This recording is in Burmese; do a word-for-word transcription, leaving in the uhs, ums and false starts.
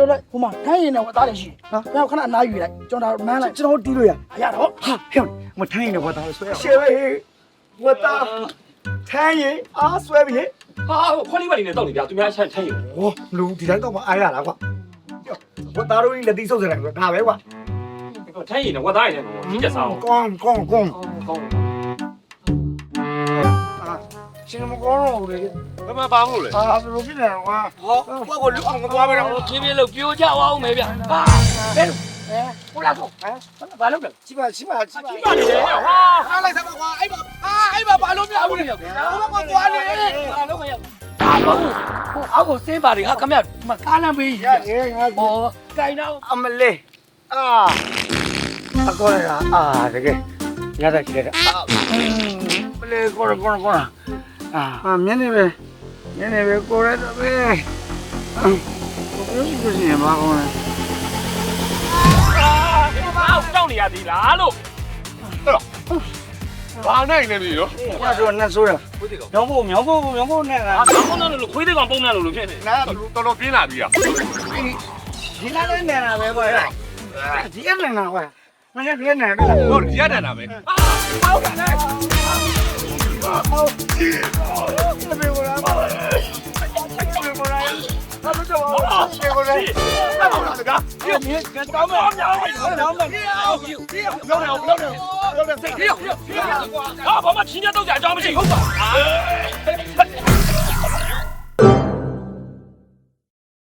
လို့လိုက်ဟိုမှာထိုင်းရင်တော့သားတယ်ရှိတယ်ခဏအနားယူလိုက်ကျွန်တော်နမ်းလိုက်ကျွန်တော်တီးလို့ရရတော့ဟာဟဲ့မထိုင်းရင်တော့သားလို့ဆွဲရရှယ်ပဲဝတ်သားထိုင်းရင်အားဆွဲပြီဟာခွက်လေးပါနေတော့နေပြသူများချက်ထိုင်ရင်ဟောလူဒီတိုင်းတော့မအားရလားကွာဝတ်သားတို့လက်တီးဆုပ်စတယ်ကွာဒါပဲကွာထိုင်ရင်တော့ဝတ်သားရင်တော့ကြီးကြစားအောင်ကောင်းကောင်းကောင်းကောင်းရှင်မကောင်းတော့ဘူးလေဘယ်မှာပါမို့လဲအာဘယ်လိုဖြစ်နေလဲကွာဟောကွက်ကိုလူအောင်မသွားပဲတော့ပြင်းပြင်းလို့ပြိုကြအောင်မယ်ဗျဟာဟဲ့ဟိုလာတော့ဟမ်ဘာလုပ်လဲချိပါချိပါချိပါပါနေတယ်ဟာအားလိုက်စမ်းပါကွာအဲ့မှာအာအဲ့မှာဘာလို့မရဘူးလဲဟိုဘက်ကသွားနေဘာလုပ်ရဒါတော့ဟိုအောက်ကိုစင်းပါလေဟာခမရမကားလမ်းပေးရရေငါဟောကြိုင်တော့အမလေးအာအကောရအာတကယ်ရတာကြည့်လိုက်အာမလေးကောရကောရကောအာမျက်နေပဲမျက်နေပဲကိုရတော့ပဲအာဘယ်လိုဖြစ်နေမှာကောလဲအောက်တောင်းနေရသေးလားလို့ဘာနိုင်နေပြီနော်ညတော့နဲ့ဆိုးရမြောင်းဖို့မြောင်းဖို့မြောင်းဖို့နဲ့လားဟာကောင်းတော့လို့ခွေးသေးကောင်ပုံနေလို့လို့ဖြစ်နေနားတော်တော်ပြင်းလာပြီอ่ะဒီလားနဲ့နေတာပဲကွာဒီအဲ့နေတာကွာမင်းကလည်းနေတယ်ဟုတ်ရတန်တာပဲအောက်ကနေဟုတ်ဒီဘယ်လိုလဲဘယ်လိုလဲဘာလို့တော့ဘယ်လိုလဲအောက်ကနေကပြင်းပြင်းကောင်းမအောင်အောင်အောင်မအောင်ပြင်းလောက်နေအောင်လောက်နေလောက်နေစိတ်ပြင်းပြင်းဟာဘာမှချင်းတော့ကြအကြောင်းမရှိဟုတ်ပါ